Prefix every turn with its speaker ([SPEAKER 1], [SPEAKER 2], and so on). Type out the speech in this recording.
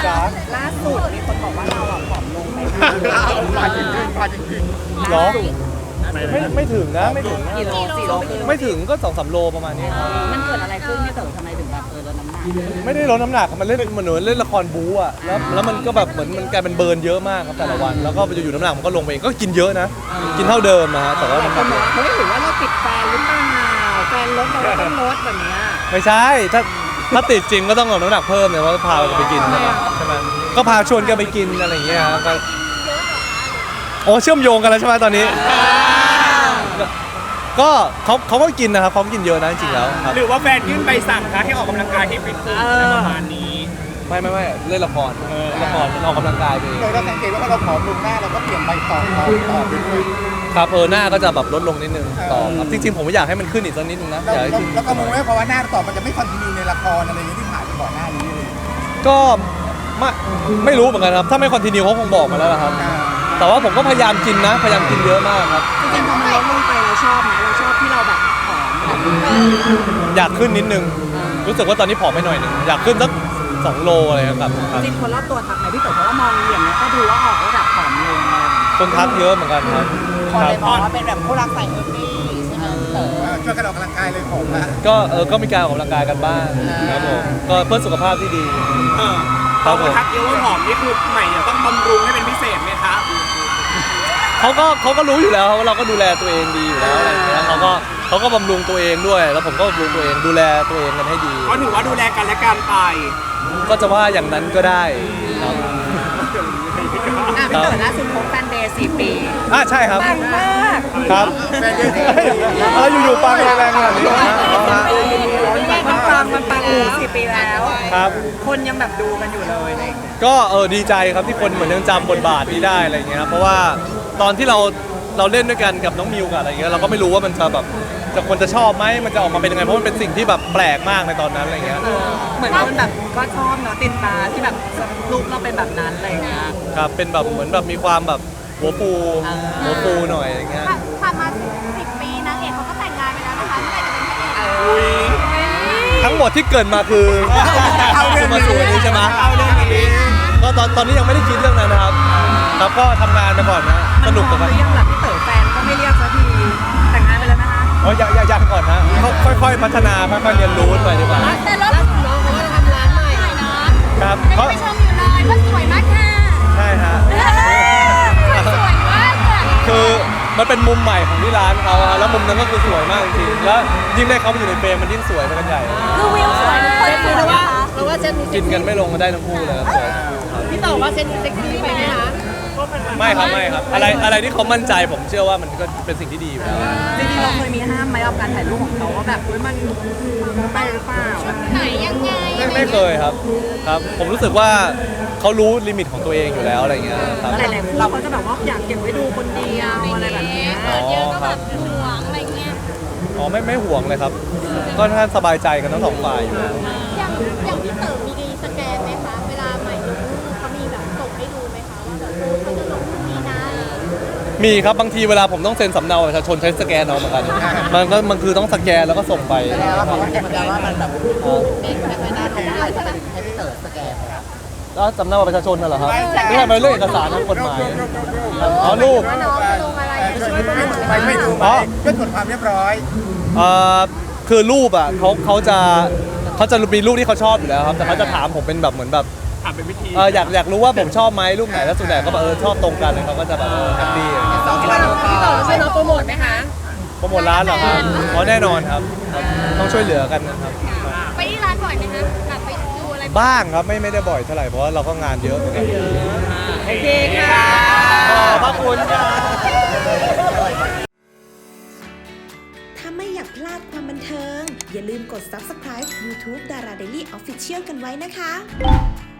[SPEAKER 1] จ๊ะ
[SPEAKER 2] ล่าสุดมีคนบอกว่าเราผอมลงไปมาก
[SPEAKER 3] จริง
[SPEAKER 1] หรอไม่ถึงนะไม่ถึงนะ
[SPEAKER 2] กี่โล4 โล
[SPEAKER 1] ไม่ถึงก็2-3 โลประมาณนี้ครับ
[SPEAKER 2] มันเกิดอะไรขึ้นพี่เต๋อทำไมถึงแบบลดน้ำหนัก
[SPEAKER 1] ไม่ได้ลดน้ำหนักมันเล่นเหมือนเล่นละครบู๊อ่ะแล้วมันก็แบบเหมือนมันกลายเป็นเบิร์นเยอะมากครับแต่ละวันแล้วก็อยู่ๆน้ำหนักมันก็ลงไปเองก็กินเยอะนะกินเท่าเดิมนะฮะแต่ว่าน้ำหนักลง
[SPEAKER 2] เฮ้ยหรือว่าเราติดแฟนหรือเปล่าแฟนลดเราต้องลดแบบนี้
[SPEAKER 1] ไม่ใช่ถ้าติดจริงก็ต้องลดน้ำหนักเพิ่มเนี่ยว่าพากันไปกินใช่ไหมก็พาชวนกันไปกินอะไรอย่างเงี้ยครับโอ้เชื่อมโยงกันแล้วใช่ไหมตอนนี้ก็เขาก็กินนะครับเขากินเยอะนะจริงๆแล้วครับ
[SPEAKER 3] หรือว่าแฟนยื่นใบสั่งคะให้ออกกำลังกายที่ฟิตเนสประมาณนี้
[SPEAKER 1] ไม่เล่นละครมันออกกำลังกายไปเอง
[SPEAKER 4] โดยเราสังเกตว่าเราผอมลงหน้าเราก็เปลี่ยนใบต่อไปด้วย
[SPEAKER 1] ครับหน้าก็จะแบบลดลงนิดนึงต่อครับจริงๆผมอยากให้มันขึ้นอีกสักนิดนึงนะอยากให้ขึ้น
[SPEAKER 4] แล้วก็มองว่าเพราะว่าหน้าต่อมันจะไม่คอนติเนียในละครอะไรอย่างนี้ที่ผ่านไปก่อนหน้านี้เลย
[SPEAKER 1] ก็ไม่รู้เหมือนกันครับถ้าไม่คอนติเนียเขาคงบอกมาแล้วนะครับแต่ว่าผมก็พยายามกินนะพยายามกินเยอะมากครับ
[SPEAKER 2] จริงๆพอมันลดลงไปเราชอบไหมเราชอบที่เราแบบผอม
[SPEAKER 1] อยากขึ้นนิดนึงรู้สึกว่าตอนนี้ผอมไปหน่อยนึงอยากขึ้นสัก2 โลอะไรครับ
[SPEAKER 2] จริงคนรอบตัวทักไหมพี่เต๋อเพราะว่ามองอย่างนี้ก็ดูว่าออกระดับผอมลงเลย
[SPEAKER 1] คนทักเยอะเหมือนกันครับ
[SPEAKER 2] คนเลยมองว่าเป็นแบบคู่รักใส่เออร์บี้ใช่ไหมเต๋อ
[SPEAKER 4] ช่วยกันออกกำลังกายเลยผมละ
[SPEAKER 1] ก็มีการออกกำลังกายกันบ้างครับผมก็เพื่อสุขภาพที่ดี
[SPEAKER 3] เขาทักเยอะว่าผอมนี่คือใหม่เนี่ยต้องบำรุงให้เป็นพิเศษไหมคะ
[SPEAKER 1] เขาก็รู้อยู่แล้วว่าเราก็ดูแลตัวเองดีอยู่แล้วอะไรอย่างเงี้ยเขาก็บำรุงตัวเองด้วย แล้วผมก็บำรุงตัวเองดูแลตัวเองกันให้ดี
[SPEAKER 3] ก็ถือว่าดูแลกันและกันไป
[SPEAKER 1] ก็จะว่าอย่างนั้นก็ได้ครับ
[SPEAKER 2] พี่เต๋อล่าสุดพบแฟนเดย์4 ปี
[SPEAKER 1] ใช่ครับ
[SPEAKER 2] ปังมาก
[SPEAKER 1] ครับแล้วอยู่ๆปังแรงๆขนาดนี้นะ
[SPEAKER 2] มันปัง4 ปีแล้ว
[SPEAKER 1] ครับ
[SPEAKER 2] คนยังแบบดูกันอยู่เลยอะไรอย่างเงี้ย
[SPEAKER 1] ก็ดีใจครับที่คนเหมือนยังจำบทบาทนี้ได้อะไรอย่างเงี้ยครับเพราะว่าตอนที่เราเล่นด้วยกันกับน้องมิวกับอะไรอย่างเงี้ยเราก็ไม่รู้ว่ามันจะแบบคนจะชอบไหมมันจะออกมาเป็นยังไงเพราะมันเป็นสิ่งที่แบบแปลกมากในตอนนั้นอะไรอย่างเงี้ย
[SPEAKER 2] เหมือนคนแบบก็ชอบเนาะติดตาที่แบบรูปเราเป็นแบบนั้นอะไรอย่างเงี้ย
[SPEAKER 1] ครับเป็นแบบเหมือนแบบมีความแบบหัวฟูหน่อยอะไรเงี้ย
[SPEAKER 5] ผ่านมา10 ปีนางเอกเขาก็แต่งงานไปแล้วนะคะเมื่อไหร่จะเป็นพระเอก
[SPEAKER 1] ทั้งหมดที่เกิดมาคือคือมาสู่วันนี้ใช่ไหมก็ตอนนี้ยังไม่ได้คิดเรื่องนั้นนะครับครับก็ทำงานไปก่อนนะสนุกกับ
[SPEAKER 2] มั
[SPEAKER 1] มัน น
[SPEAKER 2] ยังแบบพี่เต๋อแฟนก็ไม่เรียกสักทีแต่งงานไปแล้วนะคะ
[SPEAKER 1] อยากก่อนนะค่อยๆพัฒนาค่อยๆเรียนรู้ไปดีกว่า
[SPEAKER 5] แต่รถน้องเขาก็ทำร้านใหม่เนาะ
[SPEAKER 1] ครับ
[SPEAKER 5] ไปชมอยู่เลยว่าสวยมากค่ะ
[SPEAKER 1] ใช่ฮะ
[SPEAKER 5] สวยมากค่ะ
[SPEAKER 1] คือมันเป็นมุมใหม่ของที่ร้านเขาอะแล้วมุมนั้นก็คือสวยมากจริงๆแล้วยิ่งได้เขามาอยู่ในเฟรมมันยิ่งสวยไปกันใหญ่
[SPEAKER 5] คือวิวสวยทุกคนสวยนะคะเราว่าเซน
[SPEAKER 1] กินกันไม่ลงก็ได้ทั้งคู่เลยครับสวยทั้งคู่ครับ
[SPEAKER 5] พี่เต๋อว่าเซนเซ็กซี่ไปไหมคะ
[SPEAKER 1] ไม่ครับอะไรที่เขามั่นใจผมเชื่อว่ามันก็เป็นสิ่งที่ดีอยู่แล้ว
[SPEAKER 2] จริงๆเราเคยมีห้ามไหมกับการถ่ายรูปของเขาว่าแบบมันไปหรือเปล่า
[SPEAKER 5] ไหนยังไง
[SPEAKER 1] ไม่เคยครับผมรู้สึกว่าเขารู้ลิมิตของตัวเองอยู่แล้วอะไรเงี้ยครับ
[SPEAKER 2] หลายๆคู่เขาจะแบบว่าอยากเก็บไว้ดูคนเดียวอะไรแบบนี้
[SPEAKER 5] เกิดเยอะก็แบบห่วงอะไรเงี้ย
[SPEAKER 1] อ๋อไม่ห่วงเลยครับ ก็ท่านสบายใจกันทั้งสองฝ่ายอยู่แล้ว
[SPEAKER 5] อย่างพี่เต๋อมีสแกนไหมคะเวลาใหม่ลงรูปเขามีแบบส่งให้ดูไหมคะว่าแบบเขาจะลงรูปนี้นะ
[SPEAKER 1] มีครับบางทีเวลาผมต้องเซ็นสำเนาประชาชนใช้สแกนเอาเหมือนกันมันคือต้องสแกนแล้วก็ส่งไป
[SPEAKER 2] แล้วเขาก็แอบว่ามันแบบไม่น่าทำได้ถ้าเป็นให้พี่เต๋อสแกนครับ
[SPEAKER 1] แล้วสำเนาประชาชนน่ะเหรอครับไม่ใช่เป็นเรื่องเอกสารทางกฎหมายอ๋อรูป
[SPEAKER 5] ว่าน้องจะลงอะไร
[SPEAKER 4] ไม่ดูไปเพื่อตรวจความเรียบร้อย
[SPEAKER 1] คือรูปอ่ะเขาจะมีรูปที่เขาชอบอยู่แล้วครับแต่เขาจะถามผมเป็นแบบเหมือนแบบ
[SPEAKER 3] ถามเป็นวิธี
[SPEAKER 1] อยากรู้ว่าผมชอบไหมรูปไหนแล้วส่วนใหญ่ก็แบบชอบตรงกันเลยเขาก็จะแบบแฮปปี้
[SPEAKER 5] พี่เต๋อช่วยน้องโปรโมทไหมคะ
[SPEAKER 1] โปรโมทร้านเหรอครับอ๋อแน่นอนครับต้องช่วยเหลือกันนะครับ
[SPEAKER 5] ไปที่ร้านบ่อยไหมคะแบบไปดูอะไร
[SPEAKER 1] บ้างครับไม่ได้บ่อยเท่าไหร่เพราะว่าเราก็งานเยอะเหมือนกัน
[SPEAKER 2] โอเคค่ะ
[SPEAKER 1] ขอบพระคุณครับ
[SPEAKER 6] ถ้าไม่อยากพลาดความบันเทิง อย่าลืมกด subscribe YouTube Dara Daily Official กันไว้นะคะ